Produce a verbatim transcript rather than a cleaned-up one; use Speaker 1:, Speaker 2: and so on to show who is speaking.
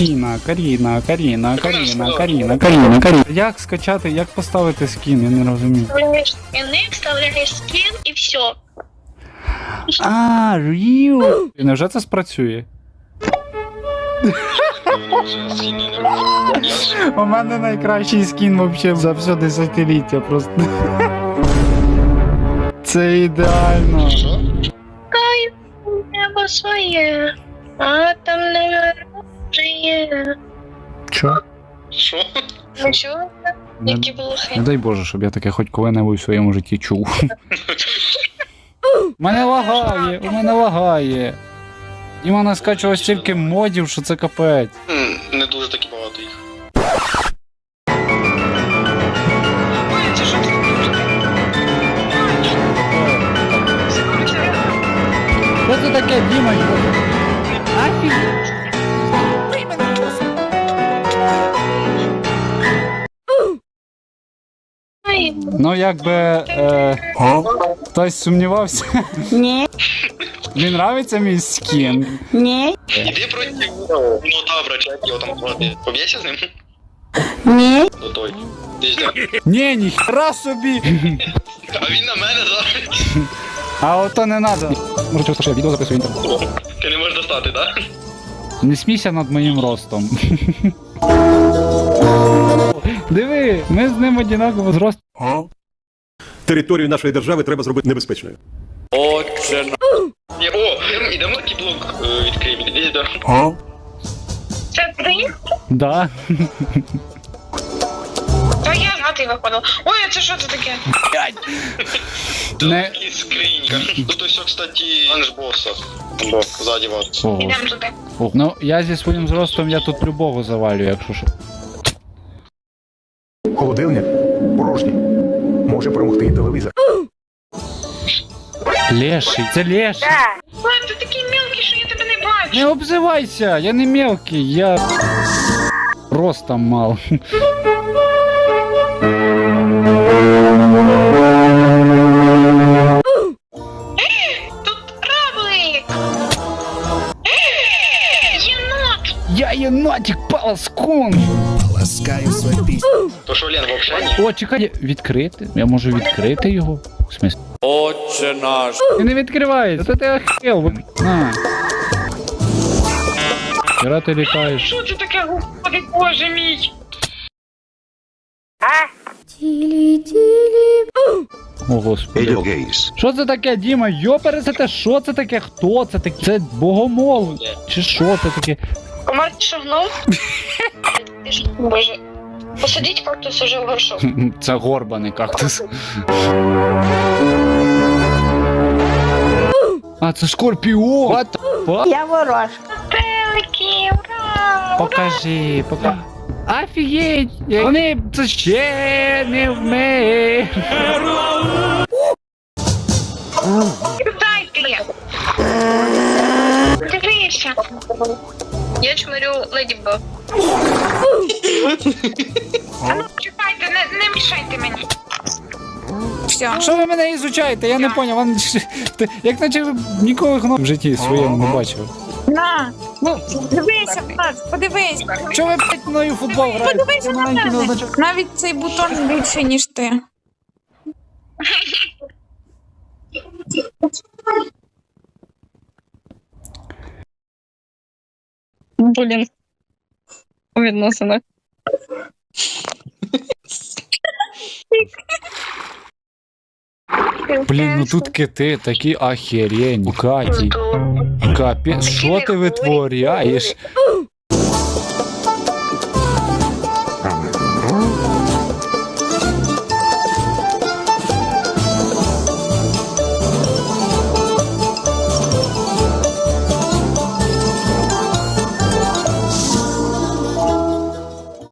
Speaker 1: Каріна, Каріна, Каріна, Каріна, Каріна, Каріна, Каріна. Як скачати, як поставити скін, я не розумію.
Speaker 2: Скини, вставляєш скін і все.
Speaker 1: А, Ріу. Невже це спрацює? У мене найкращий скін вообще за все десятиліття просто. Це ідеально.
Speaker 2: Кайф, небо своє, а там не є.
Speaker 1: Чо?
Speaker 3: Що?
Speaker 2: Ну чого?
Speaker 1: Не,
Speaker 2: Які блохи.
Speaker 1: не дай Боже, щоб я таке хоч коли-небудь в своєму житті чув. У мене лагає, у мене лагає. І мене скачував стільки модів, що це капець.
Speaker 3: М, Не дуже таки багато їх.
Speaker 2: Ой, це що ти?
Speaker 1: Що це таке, Діма? Афігеть.
Speaker 2: Ай,
Speaker 1: Ну, якби е, хтось сумнівався.
Speaker 4: Ні,
Speaker 1: Мені нравиться мій скін.
Speaker 4: ні,
Speaker 3: Іди проти ну добре, чи як його там звати. Поб'єшся з ним?
Speaker 4: ні.
Speaker 3: До той. Ти ж де?
Speaker 1: Ні, ніхера собі.
Speaker 3: А він на мене зараз.
Speaker 1: А ото не надо. Може, просто що я відео записую в інтернет.
Speaker 3: Ти не можеш достати, так?
Speaker 1: Не смійся над моїм ростом. Диви, ми з ним однаково зрост.
Speaker 5: Територію нашої держави треба зробити небезпечною.
Speaker 3: Ні, о, ідемо такий блок е, відкриємо. Іди до.
Speaker 2: це ти?
Speaker 1: Да.
Speaker 2: Та я знати виходила. Ой, а це що це таке?
Speaker 1: Не...
Speaker 3: Тут скринька. Тут ось, кстати, ланж босса. Бо, ззаді вас.
Speaker 1: Ого.
Speaker 2: Ідемо туди.
Speaker 1: Ого. Ну, я зі своїм зростом, я тут любого завалю, якщо що.
Speaker 5: Холодильник порожній. Може перемогти і телевізор.
Speaker 1: Леший, це леший.
Speaker 2: Ой, ти такий мілкий, що я тебе не бачу.
Speaker 1: Не обзивайся, я не мелкий, я ростом мал.
Speaker 2: Тут равлик. Єнот.
Speaker 1: Я єнотик полоскун.
Speaker 3: То що, Лен, вообще ні?
Speaker 1: О, чекай, відкрити? Я можу відкрити його? В смысле?
Speaker 6: Отче наш.
Speaker 1: Він не відкривається, то ти охуєл. На. Хіра ти літаєш.
Speaker 2: Що це таке, господи, боже мій?
Speaker 1: О, господи. Що це таке, Діма? Йопересете, що це таке? Хто це таке? Це богомол? Чи що це таке?
Speaker 2: Комар шагнув. Боже. Посадіть кактус уже в горшок.
Speaker 1: Це горбаний кактус. А, це скорпіон! What the fuck?
Speaker 4: Я ворожка.
Speaker 2: Пелики, ура!
Speaker 1: Покажи, покажи. Офігеть! Вони це ще не вміють.
Speaker 2: Дайте! Дивися! Я чмирю Леді Баг. А ну, чекайте, не, не мішайте мені. Все.
Speaker 1: Що ви мене ізучаєте? Я не поняв. Вам ти- як наче ви ніколи гно в житті своєму не бачив.
Speaker 7: На, ну, дивися, Влад, подивись.
Speaker 1: Що ви блядь, мною в футбол граєте?
Speaker 7: Подивися
Speaker 1: Я
Speaker 7: на
Speaker 1: маленький не
Speaker 7: мене.
Speaker 1: означає.
Speaker 7: Навіть цей бутон більше, ніж ти.
Speaker 8: Блін. У відносинах.
Speaker 1: Блін, ну тут кити такі охерені, Каті. Капець, що ти витворяєш?